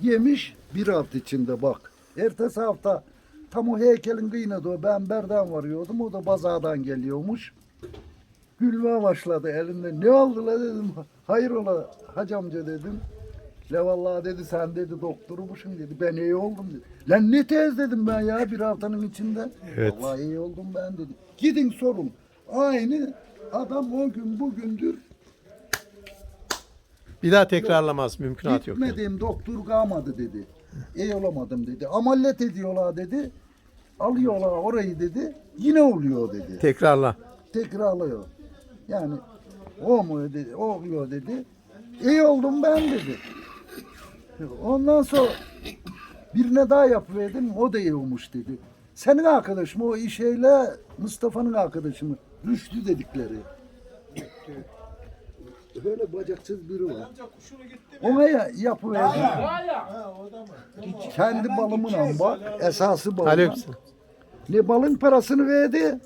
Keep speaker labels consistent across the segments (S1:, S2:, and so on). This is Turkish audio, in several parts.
S1: Yemiş bir hafta içinde bak. Ertesi hafta tam o heykelin kıyına o ben berden varıyordum. O da bazadan geliyormuş. Gülmeye başladı elinde. Ne oldu la dedim. Hayrola hacı amca dedim. La vallahi dedi sen dedi doktorumuşsun dedi. Ben iyi oldum dedi. Lan ne tez dedim ben ya bir haftanın içinde.
S2: Evet.
S1: Vallahi iyi oldum ben dedi. Gidin sorun. Aynı adam o gün bugündür
S2: Bir daha tekrarlamaz. Mümkünat yok. Yani.
S1: gitmediğim doktor kalmadı dedi. İyi olamadım dedi. Ameliyat ediyorlar dedi. Alıyorlar orayı dedi. Yine oluyor dedi.
S2: Tekrarla.
S1: Tekrarlıyor. Yani olmuyor dedi. Oluyor dedi. İyi oldum ben dedi. Ondan sonra birine daha yapıverdim. O da iyi olmuş dedi. Senin arkadaşın o işeyle Mustafa'nın arkadaşı mı? Rüştü dedikleri. Böyle bacaksız biri var. Ona yapıverdim. Kendi balımla bak. Esası balım.
S2: Aleykümselam.
S1: Ne balın parasını verdi.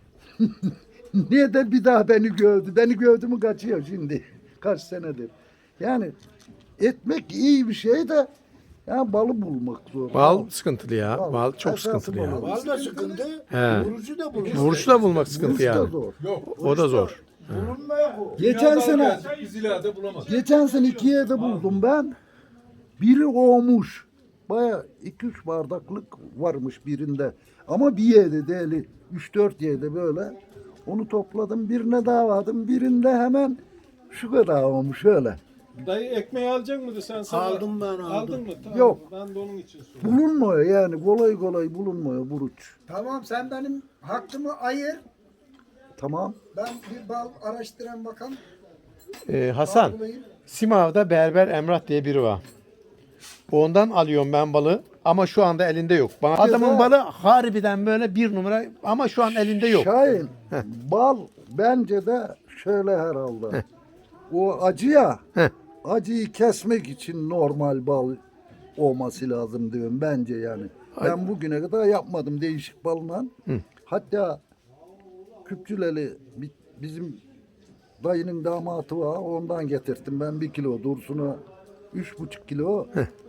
S1: Ne de bir daha beni gövdü. Beni gövdü mü kaçıyor şimdi. Kaç senedir. Yani etmek iyi bir şey de ya balı bulmak zor.
S2: Bal sıkıntılı ya.
S1: Bal.
S2: Bal çok
S1: Esası
S2: sıkıntılı ya.
S1: bal.
S3: Bal da sıkıntı,
S2: He.
S3: vurucu da bulunmuyor.
S2: Vuruş da bulmak sıkıntı
S1: Vuruş da
S2: yani.
S1: zor.
S2: O da zor.
S3: Bulunmuyor bu.
S1: Geçen sene
S4: Biz ileride bulamadık.
S1: geçen sene 2 yerde buldum ben. Biri olmuş. Baya 2-3 bardaklık varmış birinde. Ama bir yerde değil. 3-4 yerde böyle. Onu topladım. Birine daha vardım. Birinde hemen şu kadar olmuş öyle.
S4: Dayı ekmeği alacak mıydı sen sana?
S3: Aldım ben, aldım.
S4: Aldın mı? Tamam.
S1: Yok.
S4: Ben de onun için sordum.
S1: Bulunmuyor yani. Kolay kolay bulunmuyor buruç.
S3: Tamam sen benim hakkımı ayır.
S1: Tamam.
S3: Ben bir bal araştıran bakalım.
S2: Hasan,
S3: Bal bulayım.
S2: Simav'da Berber Emrah diye biri var. Ondan alıyorum ben balı ama şu anda elinde yok. Adamın balı harbiden böyle bir numara ama şu an elinde yok.
S1: Şahin, bal bence de şöyle herhalde. O acı ya,
S2: Heh.
S1: acıyı kesmek için normal bal olması lazım diyorum bence yani. Ben bugüne kadar yapmadım değişik balla. Hatta Küpçüleli bizim dayının damatı var, ondan getirttim ben 1 kilo Dursun'a 3,5 kilo.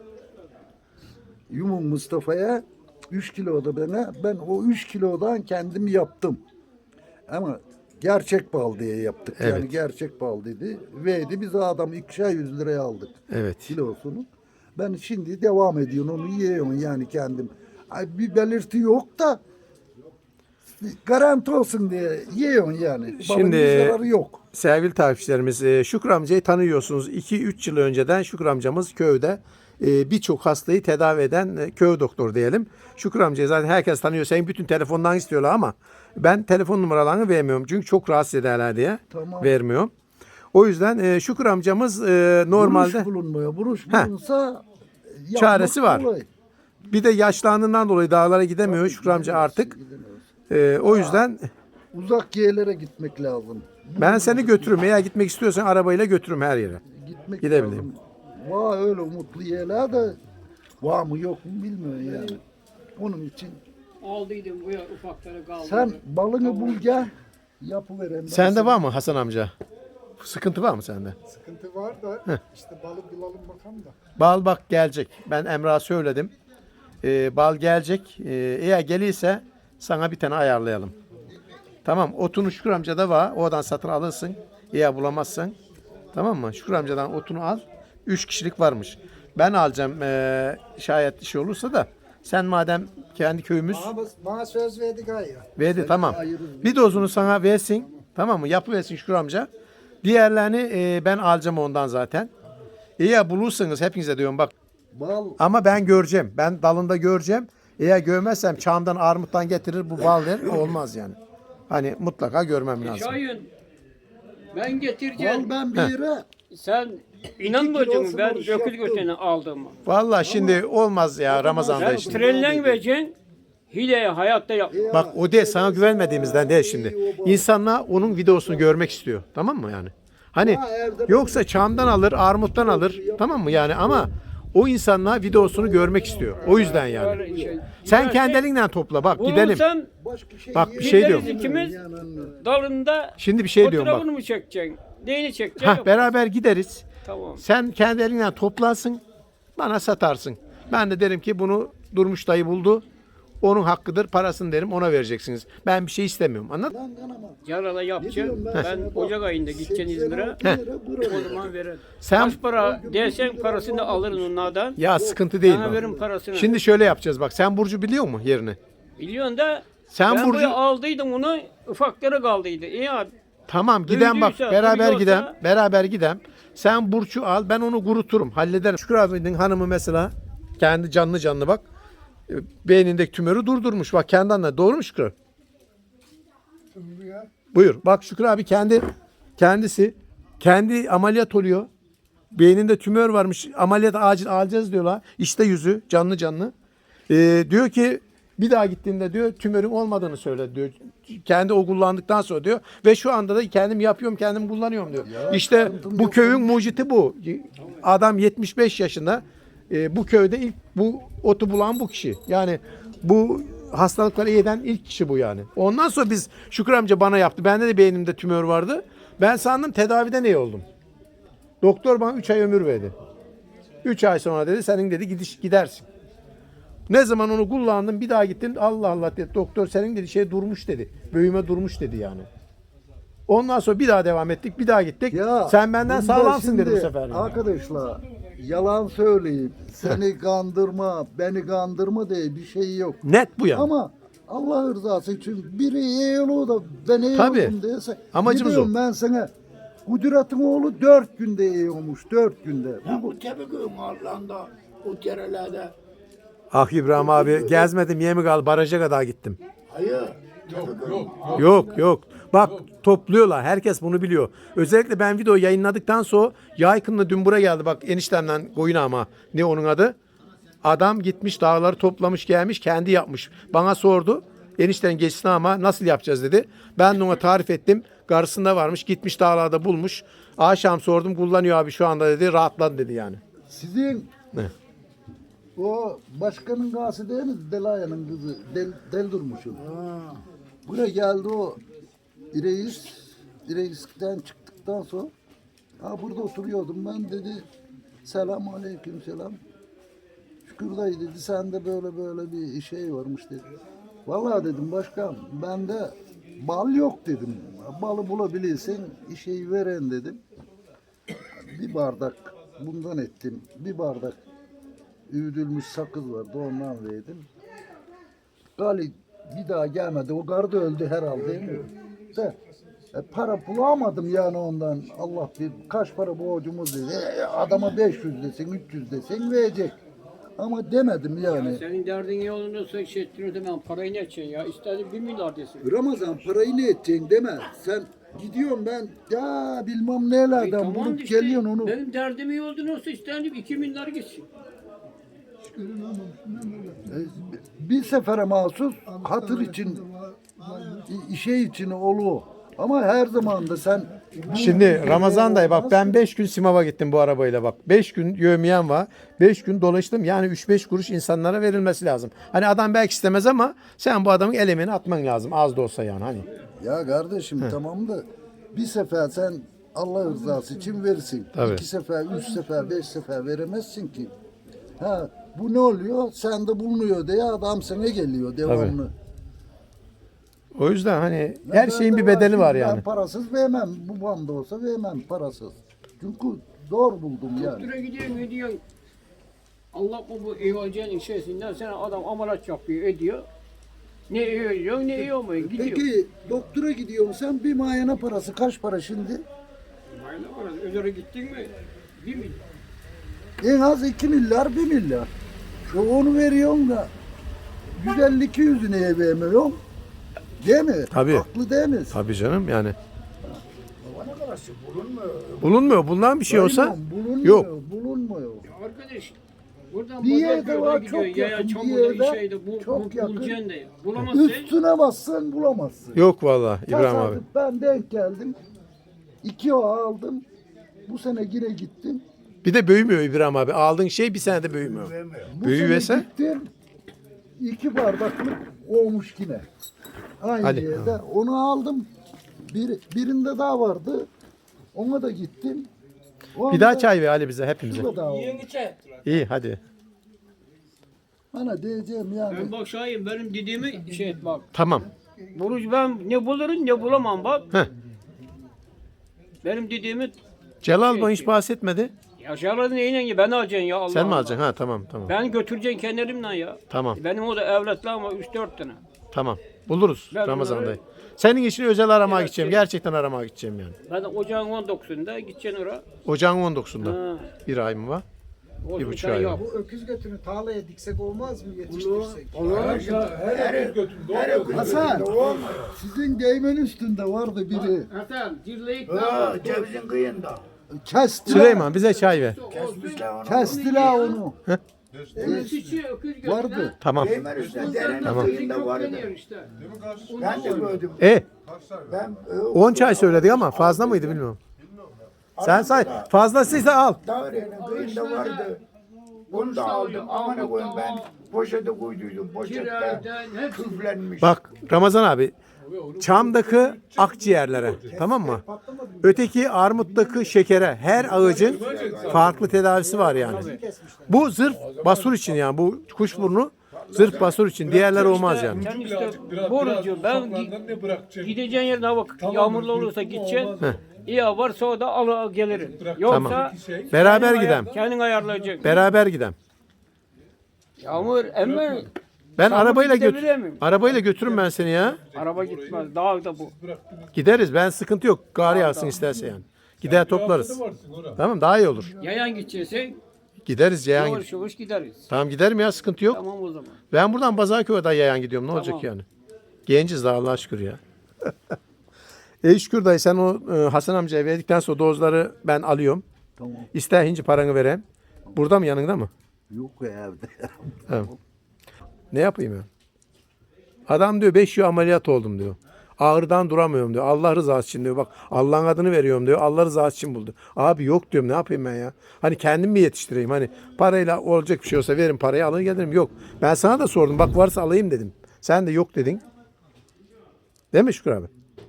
S1: Yumun Mustafa'ya 3 kilo da bana. Ben o 3 kilodan kendim yaptım. Ama gerçek bal diye yaptık.
S2: Evet.
S1: Yani gerçek bal dedi. Verdi biz adam 200 liraya aldık
S2: Evet.
S1: kilosunu. Ben şimdi devam ediyorum onu yiyorum yani kendim. Ay, bir belirti yok da garanti olsun diye yiyorsun yani. Balın
S2: Şimdi-
S1: bir zararı yok.
S2: Sevgili takipçilerimiz, Şükrü amcayı tanıyorsunuz. 2-3 yıl önceden Şükrü amcamız köyde birçok hastayı tedavi eden köy doktoru diyelim. Şükrü amcayı zaten herkes tanıyor. Senin bütün telefondan istiyorlar ama ben telefon numaralarını vermiyorum. Çünkü çok rahatsız ederler diye
S1: Tamam.
S2: vermiyorum. O yüzden Şükrü amcamız normalde
S1: Buruş bulunmuyor. Buruş bulunsa yapmak
S2: Çaresi var.
S1: kolay.
S2: bir de yaşlandığından dolayı dağlara gidemiyor Şükrü amca artık. O yüzden
S1: Uzak yerlere gitmek lazım.
S2: ben seni götürürüm. Eğer gitmek istiyorsan arabayla götürürüm her yere.
S1: Gitmek
S2: Gidebilirim.
S1: lazım. Var öyle umutlu yerler de var mı yok mu bilmiyorum yani. Onun için
S5: Aldıydım bu ya ufakları kaldı.
S1: sen balını bul gel yapıverem. ben
S2: Sende
S1: sana.
S2: var mı Hasan amca? Sıkıntı var mı sende?
S3: Sıkıntı var da işte balı bulalım bakalım da.
S2: Bal bak gelecek. Ben Emrah'a söyledim. Bal gelecek. Eğer gelirse sana bir tane ayarlayalım. Tamam. Otunu Şükür amca da var. Oradan satın alırsın. Eğer bulamazsan. Tamam mı? Şükür amcadan otunu al. 3 kişilik varmış. Ben alacağım şayet işi olursa da. Sen madem kendi köyümüz
S3: Bana söz verdi gayrı.
S2: verdi tamam. Bir dozunu sana versin. Tamam mı? Yapıversin Şükür amca. Diğerlerini ben alacağım ondan zaten. Eğer bulursanız hepinize diyorum bak.
S1: Bal
S2: Ama ben göreceğim. Ben dalında göreceğim. Eğer görmezsem çamdan armuttan getirir bu bal der. Olmaz yani. Hani mutlaka görmem lazım.
S5: Şahin ben getireceğim.
S1: bal ben bir yere
S5: Sen inanmayacaksın
S1: kilosu
S5: ben
S1: boş
S5: dökül
S1: yaptım.
S5: götüne aldığımı.
S2: Vallahi şimdi olmaz ya Ramazan'da
S5: Sen
S2: işte.
S5: trenle vereceksin. Hileye hayatta yap.
S2: Bak o değil sana güvenmediğimizden değil şimdi. İnsanlar onun videosunu görmek istiyor. Tamam mı yani? Hani yoksa çamdan alır, armuttan alır. Tamam mı yani ama o insanlar videosunu görmek istiyor. O yüzden yani.
S5: Böyle şey.
S2: Sen kendi elinden topla bak gidelim.
S5: Bulursam
S1: başka şey
S2: Bak bir şey
S5: gideriz
S2: diyorum.
S5: ikimiz
S1: yani.
S5: dalında
S2: Şimdi bir şey diyorum bak.
S5: fotoğrafını mı çekeceksin? Neyini çekeceksin?
S2: Hah beraber gideriz.
S5: Tamam.
S2: Sen kendi elinden toplarsın. bana satarsın. Ben de derim ki bunu Durmuş dayı buldu. Onun hakkıdır, parasını derim ona vereceksiniz. Ben bir şey istemiyorum. Anladın?
S1: Lan kanama.
S5: Yarala yapacağım.
S1: Ne diyorum
S5: Ben
S1: sana? Bak,
S5: Ocak ayında gideceğim
S1: 86
S5: İzmir'e.
S1: lira bura
S5: O
S1: ver.
S5: zaman veririm.
S2: Sen
S5: Kaç para dersen parasını alırım onlardan.
S2: ya sıkıntı değil
S5: Sana
S2: bu.
S5: veririm parasını.
S2: Şimdi şöyle yapacağız bak. Sen Burcu biliyor musun yerini?
S5: Biliyorsun da
S2: Sen
S5: ben
S2: Burcu-
S5: buraya aldıydım onu ufakları kaldıydı. İyi abi.
S2: Tamam giden bak
S5: Duyduysa,
S2: beraber
S5: duyuyorsa-
S2: gidem. Beraber gidem. Sen Burç'u al ben onu kuruturum. Hallederim. Şükrü abinin hanımı mesela kendi canlı bak. Beynindeki tümörü durdurmuş. Bak kendi anla. Doğru mu Şükrü? Buyur. Bak Şükrü abi kendisi kendi ameliyat oluyor. Beyninde tümör varmış. Ameliyat acil alacağız diyorlar. İşte yüzü canlı. Diyor ki bir daha gittiğinde diyor tümörün olmadığını söyle diyor. Kendi o kullandıktan sonra diyor. Ve şu anda da kendim yapıyorum kendim kullanıyorum diyor. İşte bu köyün muciti bu. Adam 75 yaşında. Bu köyde ilk bu otu bulan bu kişi. Yani bu hastalıkları iyi eden ilk kişi bu yani. Ondan sonra biz Şükrü amca bana yaptı. Bende de beynimde tümör vardı. Ben sandım tedaviden iyi oldum. Doktor bana 3 ay ömür verdi. 3 ay sonra dedi senin dedi gidersin. Ne zaman onu kullandım bir daha gittim. Allah Allah dedi. Doktor senin dedi şey durmuş dedi. Büyüme durmuş dedi yani. Ondan sonra bir daha devam ettik. Bir daha gittik. Sen benden
S1: bunda
S2: sağlamsın dedi bu
S1: şimdi
S2: sefer. Yani.
S1: Arkadaşlar yalan söyleyip seni kandırma, beni kandırma diye bir şey yok.
S2: Net bu yani.
S1: Ama Allah rızası için biri iyi olur da ben iyi
S2: Tabii.
S1: oldum diyese.
S2: Amacımız
S1: gidiyorum
S2: o.
S1: ben sana Kudret'in oğlu 4 günde iyi olmuş. 4 günde.
S6: Bu tepegöyün Allah'ında o derelerde.
S2: Ah İbrahim abi gezmedim Yemikal baraja kadar gittim.
S6: Hayır.
S2: Yok. Bak topluyorlar. Herkes bunu biliyor. Özellikle ben video yayınladıktan sonra Yaykın'la dün buraya geldi. Bak eniştemden koyun ama ne onun adı? Adam gitmiş dağları toplamış gelmiş kendi yapmış. Bana sordu. Enişten geçsin ama nasıl yapacağız dedi. Ben de ona tarif ettim. Karşısında varmış gitmiş dağlarda bulmuş. Akşam sordum kullanıyor abi şu anda dedi. Rahatladı dedi yani.
S1: Sizin
S2: Ne?
S1: o başkanın gası değil mi? Delaya'nın kızı. Del Durmuş'un. Buraya geldi o reisten çıktıktan sonra burada oturuyordum ben dedi. Selam aleyküm selam. Şükür dayı dedi sende böyle bir şey varmış dedi. Vallahi dedim başkan bende bal yok dedim. Balı bulabilirsen işeyi veren dedim. Bir bardak bundan ettim. Bir bardak üğüdülmüş sakız vardı ondan verdim. Gali bir daha gelmedi. O garda öldü herhalde değil mi? De, para bulamadım yani ondan. Allah bir kaç para borcumuz dedi. Adama 500 desin 300 desin verecek. Ama demedim yani.
S5: Senin derdin iyi olduğunu şey ettiğin zaman parayı ne edeceksin ya? İstersen 1 milyar desin.
S1: Ramazan parayı ne edeceksin deme. Sen gidiyorum ben ya bilmem nelerden bulup
S5: işte,
S1: geliyorsun onu.
S5: Benim derdim iyi olduğunu olsa isterdim 2 milyar gitsin.
S1: Bir sefere mahsus hatır için işe için olur. Ama her zaman da sen
S2: Şimdi Ramazan dayı bak ben 5 gün Simav'a gittim bu arabayla bak. 5 gün yövmiyen var. 5 gün dolaştım. Yani 3-5 kuruş insanlara verilmesi lazım. Hani adam belki istemez ama sen bu adamın el emeğini atman lazım. Az da olsa yani hani.
S1: ya kardeşim tamam da bir sefer sen Allah rızası için verirsin.
S2: Tabii.
S1: 2 sefer, 3 sefer, 5 sefer veremezsin ki. Ha bu ne oluyor? Sende bulunuyor diye adam sana geliyor devamlı.
S2: O yüzden hani
S1: Ben
S2: her şeyin bir
S1: bende
S2: bedeli var
S1: şimdi
S2: yani.
S1: Ben parasız vermem. Bu banda olsa vermem parasız. Çünkü doğru buldum yani.
S5: Doktora gidiyorsun. Allah bu iyi olacağın içerisinden sana adam ameliyat yapıyor ediyor. Ne iyi oluyor ne iyi olmuyor gidiyor.
S1: Peki doktora gidiyorsun sen bir muayene parası kaç para şimdi?
S5: Aynen orası. Özür'e gittin mi? 1 milyar.
S1: En az 2 milyar 1 milyar. Onu veriyorsun da 150-200'ü neye vermiyorsun? Değil mi?
S2: Tabii.
S1: Haklı değil mi?
S2: Tabii canım yani.
S6: Bana karşı bulunmuyor.
S2: Bulunmuyor. Bundan bir şey olsa
S1: Bulunmuyor,
S2: yok.
S1: bulunmuyor.
S5: Arkadaş buradan
S1: Bir yerde
S5: Pazarköy'den
S1: var,
S5: gidiyor.
S1: çok
S5: Yaya
S1: yakın, bir
S5: çamurda
S1: yerde
S5: şeyde
S1: çok yakın.
S5: bulacaksın da ya. Bulamazsın.
S1: Üstüne bassan bulamazsın.
S2: Yok vallahi İbrahim abi.
S1: Tesadüf ben denk geldim. 2 o aldım. Bu sene yine gittim.
S2: Bir de büyümüyor İbrahim abi. Aldığın şey bir senede büyümüyor.
S1: Bu
S2: Büyüverse?
S1: sene gittim. 2 bardaklık olmuş yine. Aynı
S2: Hadi.
S1: yerde. Onu aldım. Birinde daha vardı. Ona da gittim. O
S2: Bir daha
S1: anda
S2: çay ver Ali bize hepimize.
S1: şurada da o.
S2: İyi hadi.
S1: Bana diyeceğim yani.
S5: Ben bak Şahin benim dediğimi şey et bak.
S2: Tamam.
S5: Buruç ben ne bulurum ne bulamam bak.
S2: Heh.
S5: Benim dediğimi
S2: Celal bana hiç bahsetmedi.
S5: aşağılarda neyle ya ben alacaksın ya Allah
S2: Sen mi
S5: Allah.
S2: alacaksın? Ha tamam tamam.
S5: Ben götüreceksin kendilerimden ya.
S2: Tamam
S5: Benim o da evlatlarım var 3-4 tane.
S2: tamam. Buluruz
S5: Ben
S2: Ramazan'da.
S5: bunları-
S2: Senin için özel aramaya
S5: Evet,
S2: gideceğim.
S5: şey-
S2: Gerçekten aramaya gideceğim yani.
S5: Ben de ocağın 19'unda gideceksin oraya.
S2: Ocağın 19'unda.
S5: Ha.
S2: Bir ay mı var?
S5: Olsun,
S2: buçuk
S5: sen
S2: ay
S5: yap.
S3: Bu öküz götünü tarlaya diksek olmaz mı yetiştirsek?
S4: Her götüm
S1: Hasan, sizin değmen üstünde vardı biri.
S5: Hasan dirleyip
S6: Cevizin kıyında.
S1: Kestiler.
S2: Süleyman bize çay ver.
S6: Kesmişler onu.
S1: Kestiler onu.
S5: Vardı.
S1: Vardı.
S2: Tamam.
S6: Değmen üstüne derenin
S2: Tamam.
S6: kıyında vardı. Ben de gördüm. Ben
S2: 10 çay söyledik ama fazla mıydı bilmiyorum. Sen say. Fazlasıysa al.
S6: Davrenin kıyında vardı. Onu da aldım. Aman koyayım ben poşete koyduydum. Poşette küflenmiş.
S2: Bak Ramazan abi. Çamdaki akciğerlere tamam mı? Öteki armuttaki şekere her ağacın farklı tedavisi var yani. Bu zırh basur için yani bu kuşburnu zırh basur için diğerleri olmaz yani.
S5: Sen işte borucu ben
S4: ne bırakacağım?
S5: gideceğin yerde hava yağmurlu olursa gideceksin. İyi varsa o da al gelirim.
S2: Tamam.
S5: Yoksa
S2: Beraber gidem.
S5: kendin ayarlayacaksın.
S2: Beraber gidem.
S5: Yağmur emme
S2: Ben
S5: Sen
S2: arabayla
S5: bunu gidebilir miyim?
S2: arabayla götürürüm ben seni ya.
S5: araba gitmez. Dağda bu.
S2: Gideriz. Ben sıkıntı yok. Gar yağsın isterse yani. Gider toplarız. Tamam daha iyi olur.
S5: Yayan gideceksin.
S2: Gideriz yayan.
S5: Yavaş yavaş gideriz.
S2: Tamam giderim ya sıkıntı yok.
S5: Tamam o zaman.
S2: Ben buradan Bazarköy'den yayan gidiyorum. Ne olacak
S5: Tamam.
S2: yani? Genciz daha Allah'a şükür ya. Şükür dayı sen o Hasan amcaya verdikten sonra dozları ben alıyorum.
S1: Tamam.
S2: İster hinci paranı vereyim. Burada mı yanında mı?
S1: Yok evde.
S2: Evet. Ne yapayım ya? Adam diyor 5 yıl ameliyat oldum diyor. Ağrıdan duramıyorum diyor. Allah rızası için diyor. Bak Allah'ın adını veriyorum diyor. Allah rızası için buldu. Abi yok diyorum ne yapayım ben ya? Hani kendim mi yetiştireyim? Hani parayla olacak bir şey olsa verin parayı alır gelirim. Yok. Ben sana da sordum. Bak varsa alayım dedim. Sen de yok dedin. Değil mi Şükür abi?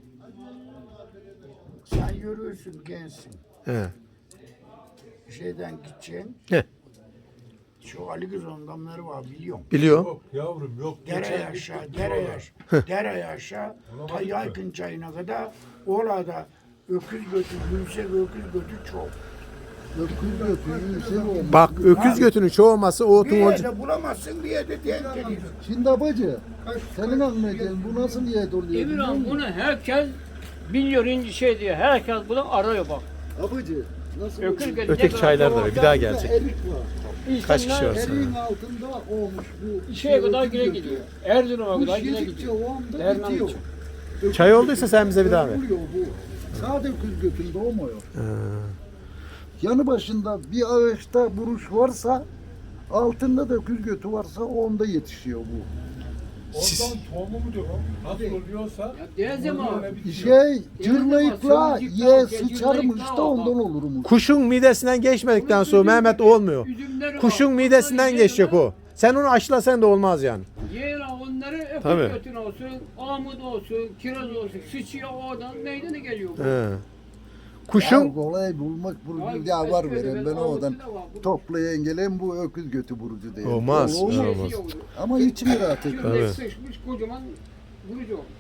S6: sen yürüyorsun gençsin.
S2: He.
S6: Şeyden gideceksin.
S2: He.
S6: Şu Ali Kızı'nın damları var biliyorum.
S2: Biliyorum.
S4: Yok yavrum yok.
S6: Dere aşağı, dere aşağı. Ta Yaykın çayına kadar orada öküz götü, yüksek öküz götü çok.
S1: Öküz götünü şey olmaz.
S2: Bak öküz götünün çoğu olması o
S6: Bir
S2: otun
S6: yerde bulamazsın, bir yerde denk gelir.
S1: Şimdi abacı, senin anlayacağın bu nasıl niyet oluyor biliyor
S5: Emirhan
S1: musun?
S5: bunu herkes biliyor ince şey diye. Herkes bunu arıyor bak.
S1: Abacı, nasıl
S5: Öküz
S1: oluyor?
S5: gelecek.
S2: öteki çaylar da var. Bir daha
S1: Orada
S2: gelecek.
S1: Erik var.
S2: Kaç kişi var?
S1: Eriğin altında olmuş bu.
S5: Şeye kadar
S1: öküz
S5: güle
S1: götü.
S5: gidiyor. Erzurum'a
S1: Bu
S5: kadar güle
S1: yedikçe
S5: gidiyor.
S1: o anda
S5: Derman
S1: bitiyor.
S5: için.
S2: Çay olduysa sen bize bir daha ver.
S1: Oluyor bu. Sade öküz götünde olmuyor. Yanı başında bir ağaçta buruş varsa altında da öküz götü varsa onda yetişiyor bu.
S4: Oradan tohumu mu diyor? Nasıl oluyorsa
S5: Ya diyeceğim abi.
S1: Şey cırlayıkla
S5: Sözcükler,
S1: ye
S5: cırlayıkla
S1: sıçarmış da
S5: var.
S1: ondan olurmuş.
S2: Kuşun midesinden geçmedikten sonra Mehmet olmuyor.
S5: Üzümleri var.
S2: Kuşun midesinden
S5: Onları
S2: geçecek
S5: yiyelim.
S2: o. Sen onu aşlasan da olmaz yani.
S5: Yiyelim onları
S2: Tabii.
S5: öküz götün olsun, amut olsun, kiraz olsun. Sıçıyor oradan meydana geliyor. bu.
S2: He.
S1: Ya
S2: Kuşun
S1: kolay bulmak burucu
S5: Ay,
S1: ya var
S5: başka
S1: veren
S5: bir
S1: ben
S5: avucu
S1: oradan
S5: da var. Bu-
S1: toplayan gelen bu öküz götü burucu değil.
S2: Olmaz.
S1: Olur mu?
S2: Olmaz.
S5: Şeysi yoktu.
S1: Ama hiç merak etme.
S5: Şimdi
S2: Tabii.
S5: sıçmış kocaman vurucu oldu.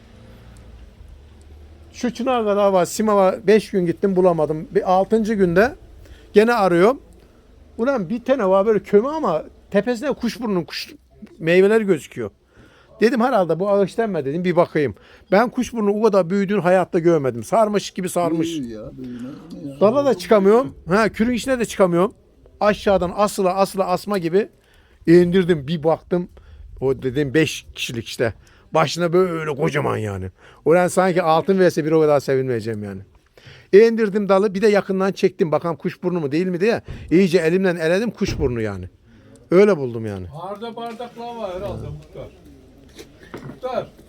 S2: şu çınar kadar var. Simav'a 5 gün gittim bulamadım. Bir 6. günde gene arıyorum. Ulan bir tane var böyle kömü ama tepesinde kuşburnunun kuş meyveleri gözüküyor. Dedim herhalde bu ağaçtan mı dedim bir bakayım. Ben kuşburnu o kadar büyüdüğünü hayatta görmedim. Sarmış gibi sarmış.
S1: Büyüyor ya, büyüyor ya.
S2: Dala da çıkamıyorum. Ha, kürün içine de çıkamıyorum. Aşağıdan asla asma gibi indirdim. Bir baktım. O dedim 5 kişilik işte. Başına böyle kocaman yani. Ulan sanki altın verse bir o kadar sevinmeyeceğim yani. İndirdim dalı bir de yakından çektim. Bakalım kuşburnu mu değil mi diye. İyice elimden eledim kuşburnu yani. Öyle buldum yani.
S4: Harda bardaklar var herhalde muhtar. Muhtar.